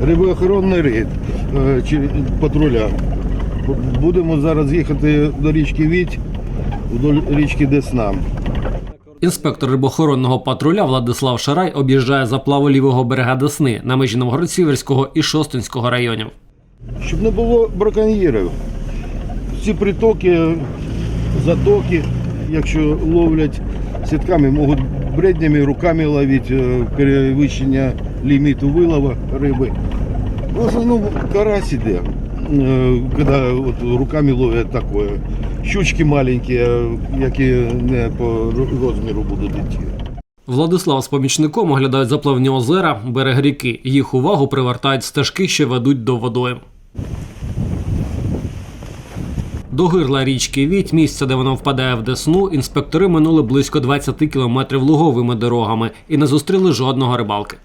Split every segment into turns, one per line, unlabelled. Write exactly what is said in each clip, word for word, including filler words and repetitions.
рибоохоронний рейд патруля. Будемо зараз їхати до річки Відь, до річки Десна.
Інспектор рибоохоронного патруля Владислав Шарай об'їжджає заплаву лівого берега Десни на межі Новгород-Сіверського і Шостинського районів.
Щоб не було браконьєрів. Ці притоки, затоки, якщо ловлять сітками, можуть бреднями, руками ловити, перевищення ліміту вилова риби. В основному карась іде, коли от руками ловлять таке. Щучки маленькі, які не по розміру будуть йти.
Владислав з помічником оглядають заплавні озера, берег ріки. Їх увагу привертають стежки, що ведуть до водойм. До гирла річки Відь, місця, де вона впадає в Десну, інспектори минули близько двадцяти кілометрів луговими дорогами і не зустріли жодного рибалки.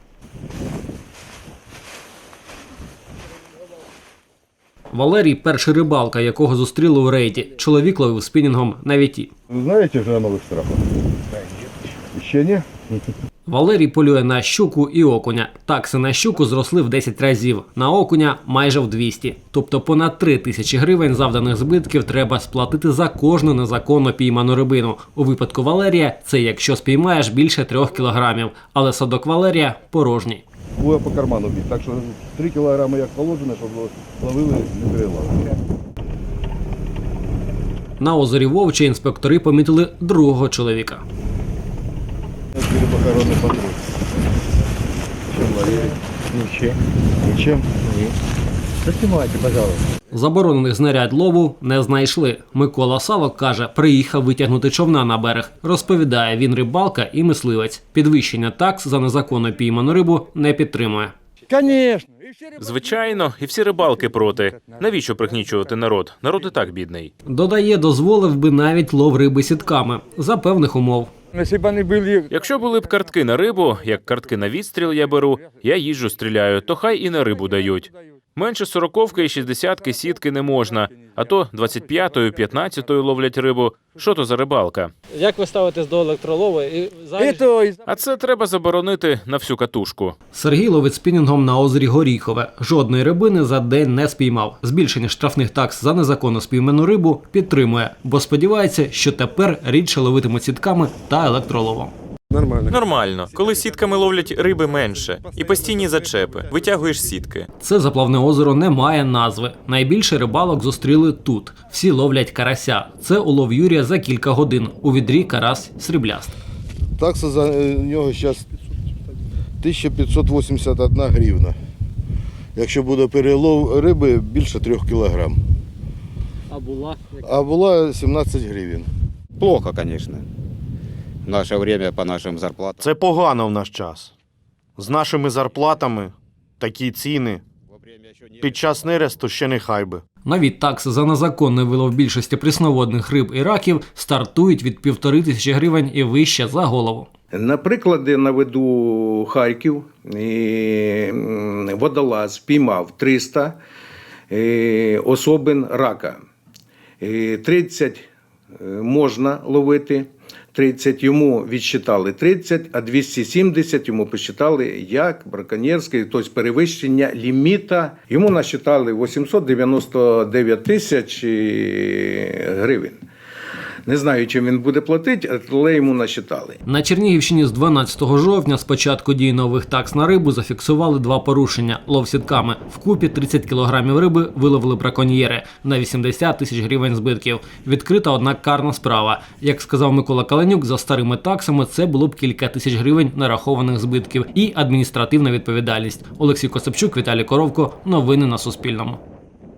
Валерій – перший рибалка, якого зустріли у рейді. Чоловік ловив спінінгом на Віті.
Ви знаєте вже нових страхах? Ще ні?
Валерій полює на щуку і окуня. Такси на щуку зросли в десять разів, на окуня – майже в двісті. Тобто понад три тисячі гривень завданих збитків треба сплатити за кожну незаконно пійману рибину. У випадку Валерія – це якщо спіймаєш більше трьох кілограмів, але садок Валерія – порожній.
Буде по карману бити, так що три кілограми як положено, щоб ловили, не переловили.
На озері Вовче інспектори помітили другого чоловіка.
Рибоохоронний патруль. Чим ловили? Нічим. Нічим? Ні. Заснімайте, пожалуйста.
Заборонених знарядь лову не знайшли. Микола Савок каже, приїхав витягнути човна на берег. Розповідає, він рибалка і мисливець. Підвищення такс за незаконно пійману рибу не підтримує.
Конечно.
Звичайно, і всі рибалки проти. Навіщо пригнічувати народ? Народ і так бідний.
Додає, дозволив би навіть лов риби сітками. За певних умов.
Якщо б вони були...
Якщо були б картки на рибу, як картки на відстріл я беру, я їжджу стріляю, то хай і на рибу дають. Менше сороковки і шістдесятки сітки не можна, а то двадцять п'ятою, п'ятнадцятою ловлять рибу. Що то за рибалка?
Як ви ставитесь до електролову? І
Это...
А це треба заборонити на всю катушку.
Сергій ловить спінінгом на озері Горіхове. Жодної рибини за день не спіймав. Збільшення штрафних такс за незаконно спійману рибу підтримує, бо сподівається, що тепер рідше ловитимуть сітками та електроловом.
Нормально.
Нормально. Коли сітками ловлять риби менше. І постійні зачепи. Витягуєш сітки.
Це заплавне озеро не має назви. Найбільше рибалок зустріли тут. Всі ловлять карася. Це улов Юрія за кілька годин. У відрі карась сріблястий.
Такса за нього зараз тисяча п'ятсот вісімдесят одна гривна. Якщо буде перелов риби, більше трьох кілограм.
А була?
А була сімнадцять гривень.
Плохо, конечно. В наше время по нашим зарплатам.
Це погано в наш час. З нашими зарплатами такі ціни. Під час нересту ще нехай би.
Навіть такси за незаконний вилов більшості прісноводних риб і раків стартують від півтори тисячі гривень і вище за голову.
Наприклад, наведу Харків, і водолаз піймав триста особин рака. тридцять можна ловити, тридцять йому відсчитали тридцять, а двісті сімдесят йому посчитали як браконьєрське, тобто перевищення ліміта. Йому насчитали вісімсот дев'яносто дев'ять тисяч гривень. Не знаю, чим він буде платити, але йому насчитали.
На Чернігівщині з дванадцятого жовтня з початку дії нових такс на рибу зафіксували два порушення – лов сітками. Вкупі тридцять кілограмів риби виловили браконьєри на вісімдесят тисяч гривень збитків. Відкрита одна карна справа. Як сказав Микола Каленюк, за старими таксами це було б кілька тисяч гривень нарахованих збитків і адміністративна відповідальність. Олексій Косапчук, Віталій Коровко. Новини на Суспільному.